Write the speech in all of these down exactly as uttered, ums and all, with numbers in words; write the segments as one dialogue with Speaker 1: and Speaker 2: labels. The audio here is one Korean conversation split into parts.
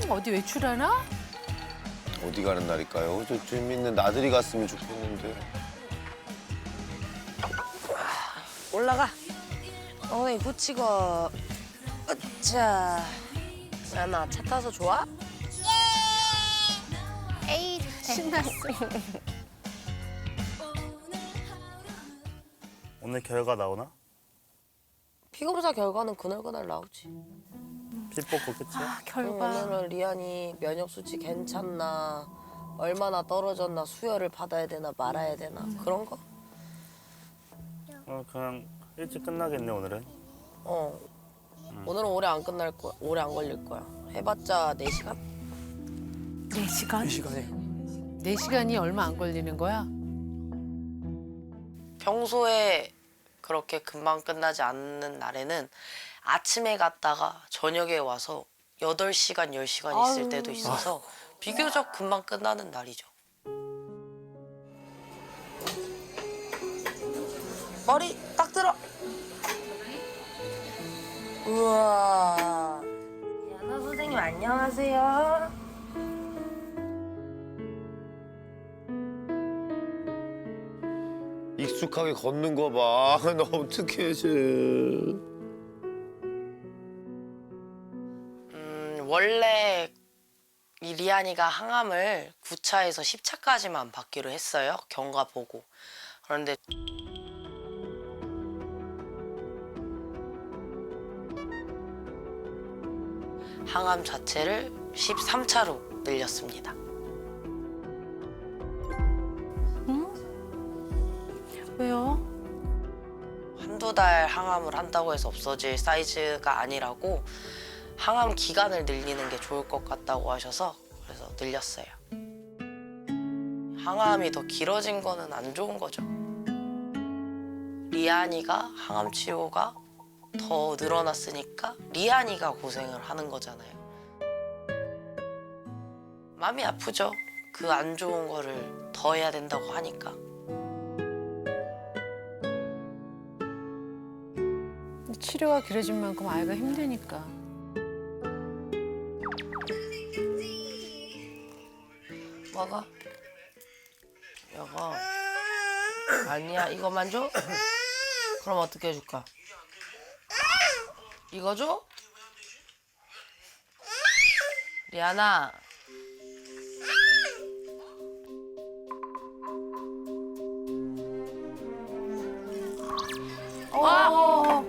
Speaker 1: 어디 외출하나?
Speaker 2: 어디 가는 날일까요? 저 재밌는 나들이 갔으면 좋겠는데.
Speaker 3: 올라가. 엉덩이 붙이고. 으쌰. 야나 차 타서 좋아?
Speaker 4: 에이,
Speaker 1: 신났어.
Speaker 5: 오늘 결과 나오나?
Speaker 3: 피검사 결과는 그날그날 나오지.
Speaker 5: 피 뽑고 끝이야?
Speaker 1: 아, 결과.
Speaker 3: 오늘은 리안이 면역 수치 괜찮나, 얼마나 떨어졌나, 수혈을 받아야 되나 말아야 되나 그런 거.
Speaker 5: 어, 그냥 일찍 끝나겠네 오늘은.
Speaker 3: 어. 오늘은 오래 안 끝날 거야. 오래 안 걸릴 거야. 해봤자 네 시간?
Speaker 1: 네 시간?
Speaker 6: 이 시간에.
Speaker 1: 네 시간이 얼마 안 걸리는 거야?
Speaker 3: 평소에 그렇게 금방 끝나지 않는 날에는 아침에 갔다가 저녁에 와서 여덟 시간, 열 시간 있을 때도 있어서 비교적 금방 끝나는 날이죠. 머리 딱 들어. 우와. 야나 선생님 안녕하세요.
Speaker 2: 익숙하게 걷는 거 봐. 나 어떡해, 쟤.
Speaker 3: 음, 원래 이 리안이가 항암을 구 차에서 십 차까지만 받기로 했어요. 경과 보고. 그런데 항암 자체를 십삼 차로 늘렸습니다.
Speaker 1: 왜요?
Speaker 3: 한두 달 항암을 한다고 해서 없어질 사이즈가 아니라고 항암 기간을 늘리는 게 좋을 것 같다고 하셔서 그래서 늘렸어요. 항암이 더 길어진 거는 안 좋은 거죠. 리안이가 항암 치료가 더 늘어났으니까 리안이가 고생을 하는 거잖아요. 마음이 아프죠. 그 안 좋은 거를 더 해야 된다고 하니까.
Speaker 1: 치료가 길어진 만큼 아이가 힘드니까.
Speaker 3: 먹어. 여거. 아니야, 이거만 줘? 그럼 어떻게 해줄까? 이거 줘? 리안아.
Speaker 1: 어.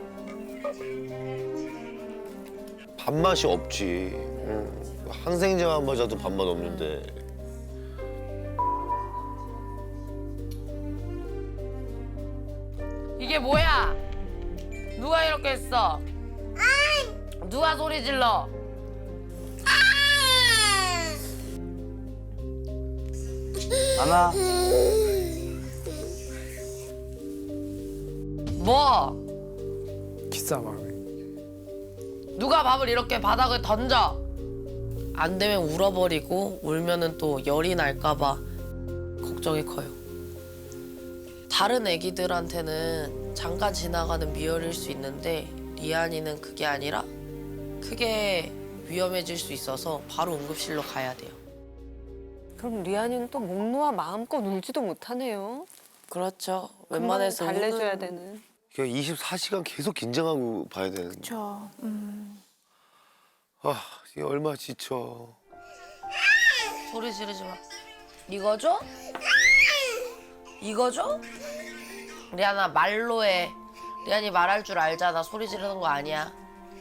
Speaker 2: 밥맛이 없지. 응. 항생제만 맞아도 밥맛 없는데.
Speaker 3: 이게 뭐야? 누가 이렇게 했어? 누가 소리 질러?
Speaker 5: 안아.
Speaker 3: 뭐?
Speaker 6: 기싸움을.
Speaker 3: 누가 밥을 이렇게 바닥에 던져? 안 되면 울어버리고 울면은 또 열이 날까봐 걱정이 커요. 다른 애기들한테는 잠깐 지나가는 미열일 수 있는데 리안이는 그게 아니라 크게 위험해질 수 있어서 바로 응급실로 가야 돼요.
Speaker 4: 그럼 리안이는 또 목 놓아 마음껏 울지도 못하네요.
Speaker 3: 그렇죠.
Speaker 4: 금방
Speaker 3: 웬만해서
Speaker 4: 달래줘야
Speaker 3: 우는-
Speaker 4: 되는.
Speaker 2: 그냥 이십사 시간 계속 긴장하고 봐야 되는데.
Speaker 1: 그렇죠. 음.
Speaker 2: 아, 이게 얼마나 지쳐.
Speaker 3: 소리 지르지 마. 이거 줘? 이거 줘? 리안아 말로 해. 리안이 말할 줄 알잖아. 소리 지르는 거 아니야.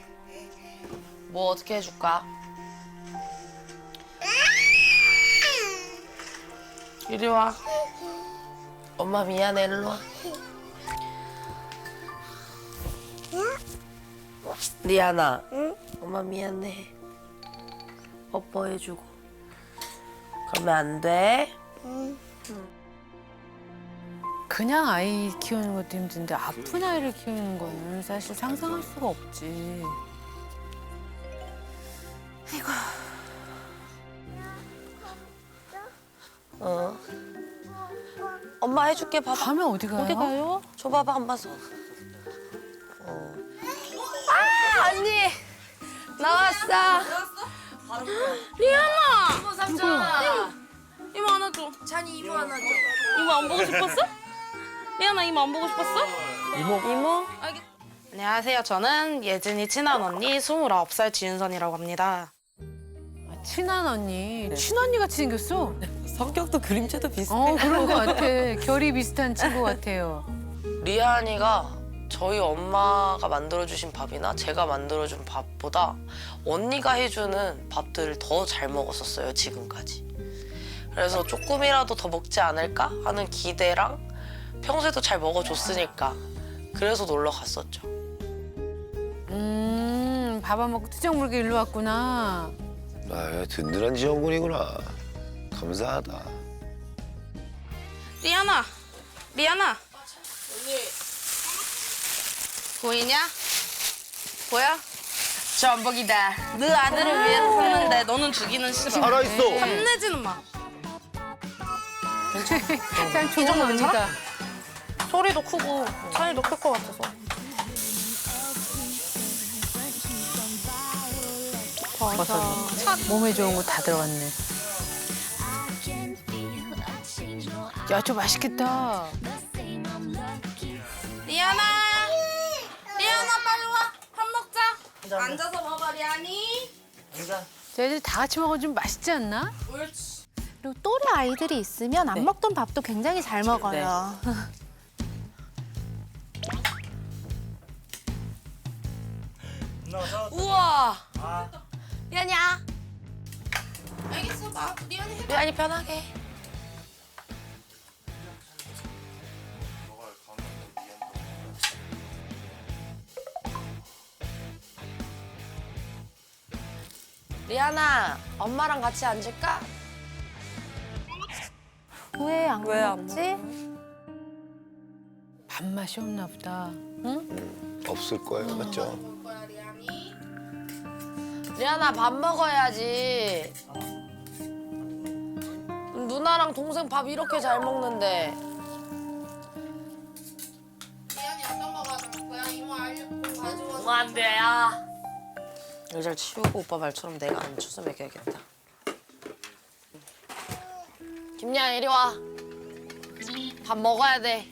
Speaker 3: 뭐 어떻게 해줄까? 이리 와. 엄마 미안해. 일로 와. 리안아. 응? 엄마 미안해. 뽀뽀해주고. 그러면 안 돼.
Speaker 1: 그냥 아이 키우는 것도 힘든데 아픈 아이를 키우는 거는 사실 상상할 수가 없지.
Speaker 3: 어. 엄마 해줄게. 봐봐.
Speaker 1: 밤에 어디 가요?
Speaker 4: 어디 가요?
Speaker 3: 줘봐봐 엄마 손. 어. 아 언니 나왔어.
Speaker 7: 리안아! 삼촌아! 이모 안아줘. 찬이 이모 안아줘. 이모 안 보고 싶었어? 리안아 이모 안 보고 싶었어?
Speaker 4: 이모?
Speaker 7: 안녕하세요. 저는 예진이 친한 언니 스물아홉 살 지윤선이라고 합니다.
Speaker 1: 친한 언니. 친언니 같이 생겼어.
Speaker 3: 성격도 그림체도 비슷해.
Speaker 1: 어, 그런 것 같아. 결이 비슷한 친구 같아요.
Speaker 3: 리안이가 저희 엄마가 만들어주신 밥이나 제가 만들어준 밥보다 언니가 해주는 밥들을 더 잘 먹었었어요, 지금까지. 그래서 조금이라도 더 먹지 않을까 하는 기대랑 평소에도 잘 먹어줬으니까 그래서 놀러 갔었죠.
Speaker 1: 음, 밥 안 먹고 투정 물게 일로 왔구나.
Speaker 2: 아, 든든한 지원군이구나. 감사하다.
Speaker 7: 리안아! 리안아! 보이냐? 보여? 저 안복이다. 너 아들을 위해서 샀는데 너는 주기는 싫어.
Speaker 2: 살아있어.
Speaker 7: 탐내지는 마.
Speaker 1: 참 좋은 언니다.
Speaker 7: 소리도 크고 찬이도 클 것 같아서.
Speaker 1: 몸에 좋은 거 다 들어갔네. 야, 저 맛있겠다.
Speaker 7: 리안아! 리안아 빨리 와. 밥 먹자. 앉아서 먹어 리안이.
Speaker 1: 쟤들 다 같이 먹으면 좀 맛있지 않나?
Speaker 7: 옳지.
Speaker 8: 그리고 또래 아이들이 있으면 안 먹던 밥도 굉장히 잘 먹어요.
Speaker 3: 우와!
Speaker 7: 리안이야. 알겠어. 나 리안이 해.
Speaker 3: 리안이 편하게. 리안아, 엄마랑 같이 앉을까?
Speaker 8: 왜 안
Speaker 4: 왜 안
Speaker 8: 먹지?
Speaker 1: 밥맛이 없나 보다. 응?
Speaker 2: 없을 거예요, 맞죠?
Speaker 3: 리안아, 밥 먹어야지. 누나랑 동생 밥 이렇게 잘 먹는데.
Speaker 7: 리안이 어떤 거 가져올 거야? 이모 알려고 가져와.
Speaker 3: 뭐 안 돼, 야. 의자를 치우고 오빠 말처럼 내가 앉혀서 먹여야겠다. 김리안, 이리 와. 밥 먹어야 돼.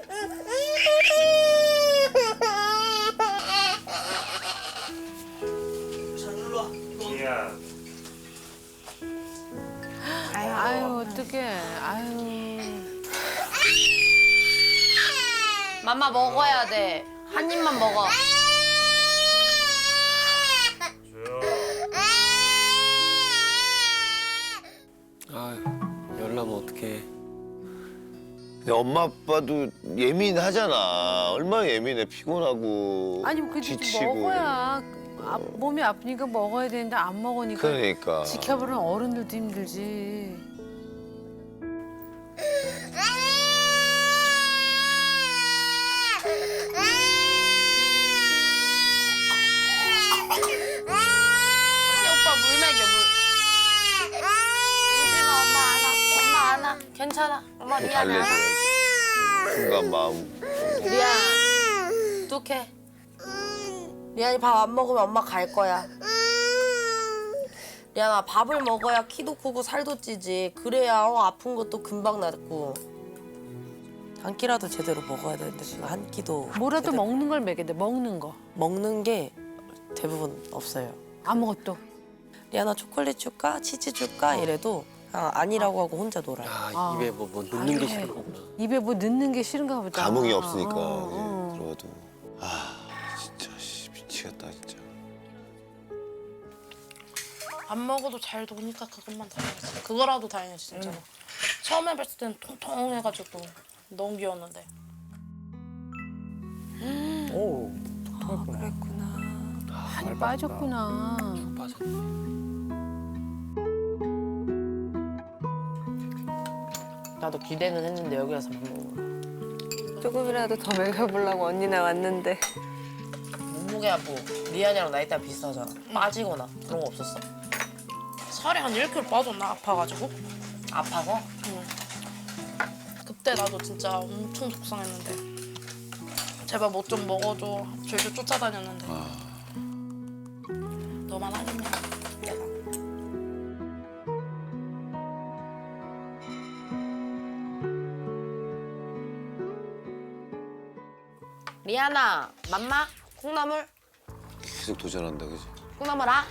Speaker 5: 미안.
Speaker 1: 아유, 어떡해. 아유.
Speaker 3: 맘마 먹어야 돼. 한 입만 먹어.
Speaker 6: 아유, 열나면 어떡해.
Speaker 2: 근데 엄마 아빠도 예민하잖아. 얼마나 예민해. 피곤하고
Speaker 1: 아니, 그
Speaker 2: 지치고.
Speaker 1: 먹어야 아, 몸이 아프니까 먹어야 되는데 안 먹으니까
Speaker 2: 그러니까.
Speaker 1: 지켜보는 어른들도 힘들지.
Speaker 3: 언니 오빠 물 먹여, 물. 울지마, 엄마 안아. 엄마 안아. 괜찮아. 엄마
Speaker 2: 또
Speaker 3: 미안해.
Speaker 2: 달래줘야지. 순간 마음.
Speaker 3: 리안, 뚝해. 리안이 밥 안 먹으면 엄마 갈 거야. 리안아, 밥을 먹어야 키도 크고 살도 찌지. 그래야 어, 아픈 것도 금방 낫고. 한 끼라도 제대로 먹어야 되는데 지금 한 끼도
Speaker 1: 뭐라도
Speaker 3: 제대로
Speaker 1: 먹는 걸 먹여야 돼. 먹는 거.
Speaker 3: 먹는 게 대부분 없어요.
Speaker 1: 아무것도.
Speaker 3: 리안아, 초콜릿 줄까? 치즈 줄까? 이래도 아, 아니라고 하고 혼자 놀아요.
Speaker 6: 아,
Speaker 1: 아.
Speaker 6: 입에 뭐, 뭐 넣는
Speaker 1: 그래.
Speaker 6: 게 싫은 거구나.
Speaker 1: 입에 뭐 넣는 게 싫은가 보다.
Speaker 2: 감흥이 없으니까.
Speaker 1: 어, 어.
Speaker 2: 예, 들어도. 아, 진짜 씨, 미치겠다 진짜.
Speaker 7: 안 먹어도 잘 도니까 그것만 다행이지. 그거라도 다행이지 진짜로. 처음에 봤을 때는 통통해가지고 너무 귀여웠는데.
Speaker 5: 오.
Speaker 1: 많이 빠졌구나.
Speaker 6: 빠졌네.
Speaker 3: 나도 기대는 했는데 여기 와서 밥 먹는 거.
Speaker 4: 조금이라도 더 먹여보려고 언니네 왔는데.
Speaker 3: 몸무게가 뭐 리안이랑 나이대가 비슷하잖아. 빠지거나 그런 거 없었어?
Speaker 7: 살이 한 일 킬로그램 빠졌나 아파가지고.
Speaker 3: 아파서?
Speaker 7: 그때 나도 진짜 엄청 속상했는데. 제발 뭐 좀 먹어줘. 졸졸 쫓아다녔는데. 너만 하겠냐 내가.
Speaker 3: 리안아, 맘마, 콩나물,
Speaker 2: 계속 도전한다, 그지?
Speaker 3: 콩나물 아.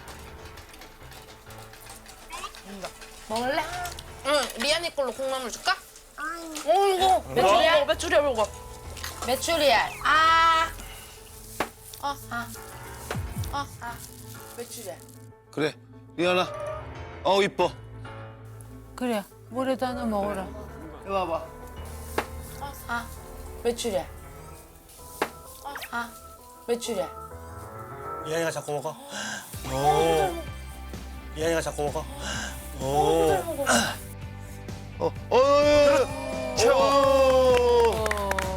Speaker 3: 먹을래?
Speaker 7: 응, 리안이 걸로 콩나물 줄까? 어, 이거. 메추리알? 어, 메추리알 먹어.
Speaker 3: 메추리알. 아. 어, 아. 어, 아. 메추리알.
Speaker 2: 그래, 리안아. 어우, 이뻐.
Speaker 1: 그래, 뭐라도 하나 먹어라.
Speaker 3: 어, 아. 메추리알. 어, 아. 메추리알.
Speaker 5: 이한이가 자꾸 먹어. 오. 이한이가 자꾸 먹어. 오.
Speaker 2: 어, 어, 어,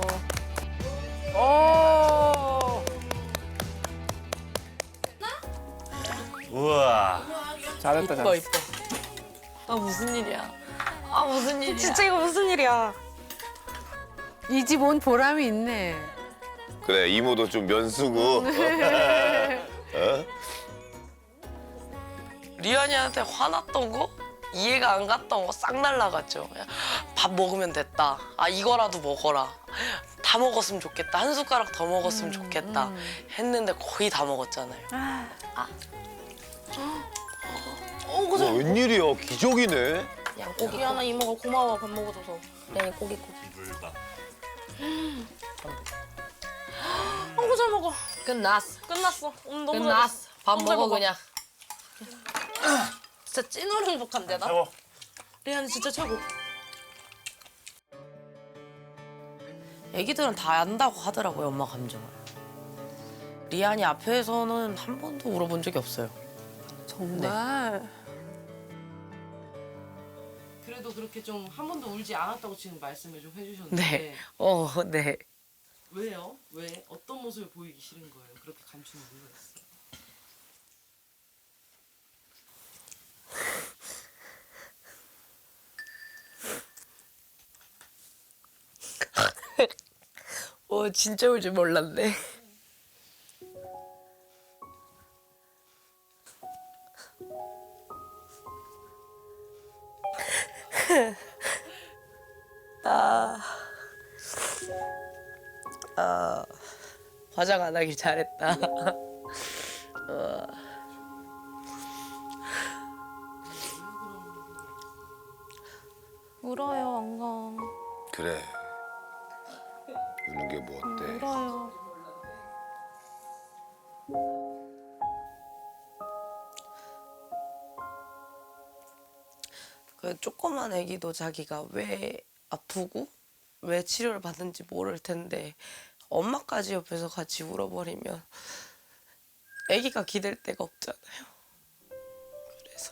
Speaker 5: 우와.
Speaker 6: 잘했다
Speaker 3: 이뻐,
Speaker 6: 잘했어.
Speaker 3: 이뻐. 아, 무슨 일이야. 아, 무슨 일이야.
Speaker 4: 진짜 이거 무슨 일이야?
Speaker 1: 이 집 온 보람이 있네.
Speaker 2: 그래, 이모도 좀 면수고. 어?
Speaker 3: 리안이한테 화났던 거? 이해가 안 갔던 거 싹 날라갔죠. 그냥 밥 먹으면 됐다. 아, 이거라도 먹어라. 다 먹었으면 좋겠다. 한 숟가락 더 먹었으면 좋겠다. 했는데 거의 다 먹었잖아요.
Speaker 7: 어,
Speaker 2: 와,
Speaker 7: 그죠?
Speaker 2: 웬일이야, 기적이네.
Speaker 3: 양고기.
Speaker 7: 리안아 이모가 고마워 밥 먹어줘서.
Speaker 3: 리안이 고기 고기.
Speaker 7: 어구 잘 먹어.
Speaker 3: 끝났어.
Speaker 7: 끝났어. 오늘 너무
Speaker 3: 끝났어. 밥
Speaker 7: 너무 잘
Speaker 3: 먹어
Speaker 7: 먹어.
Speaker 3: 그냥.
Speaker 7: 진짜 찐으로 행복한데 나?
Speaker 5: 최고.
Speaker 7: 리안이 진짜 최고.
Speaker 3: 애기들은 다 안다고 하더라고요, 엄마 감정을. 리안이 앞에서는 한 번도 울어본 적이 없어요.
Speaker 4: 정말.
Speaker 9: 그래도 그렇게 좀 한 번도 울지 않았다고 지금 말씀을 좀 해주셨는데
Speaker 3: 네. 어, 네.
Speaker 9: 왜요? 왜? 어떤 모습을 보이기 싫은 거예요? 그렇게 감추는 이유가 있어요?
Speaker 3: 어, 진짜 울 줄 몰랐네. 아, 아, 화장 안 하길 잘했다. 어.
Speaker 4: 울어요, 엉엉.
Speaker 2: 그래. 우는 게 뭐 어때?
Speaker 4: 울어요.
Speaker 3: 그 조그만 애기도 자기가 왜 아프고 왜 치료를 받는지 모를 텐데 엄마까지 옆에서 같이 울어버리면 애기가 기댈 데가 없잖아요. 그래서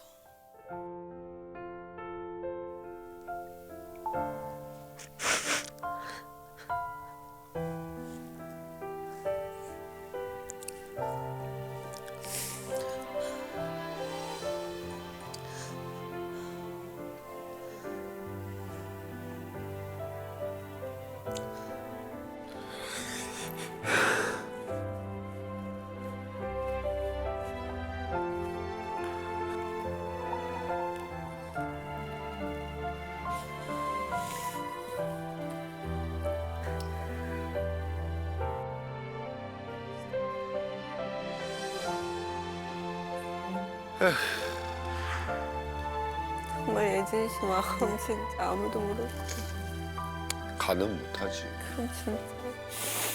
Speaker 4: 정말 예진 씨 마음 진짜 아무도 모르고.
Speaker 2: 가는 못하지.
Speaker 4: 진짜.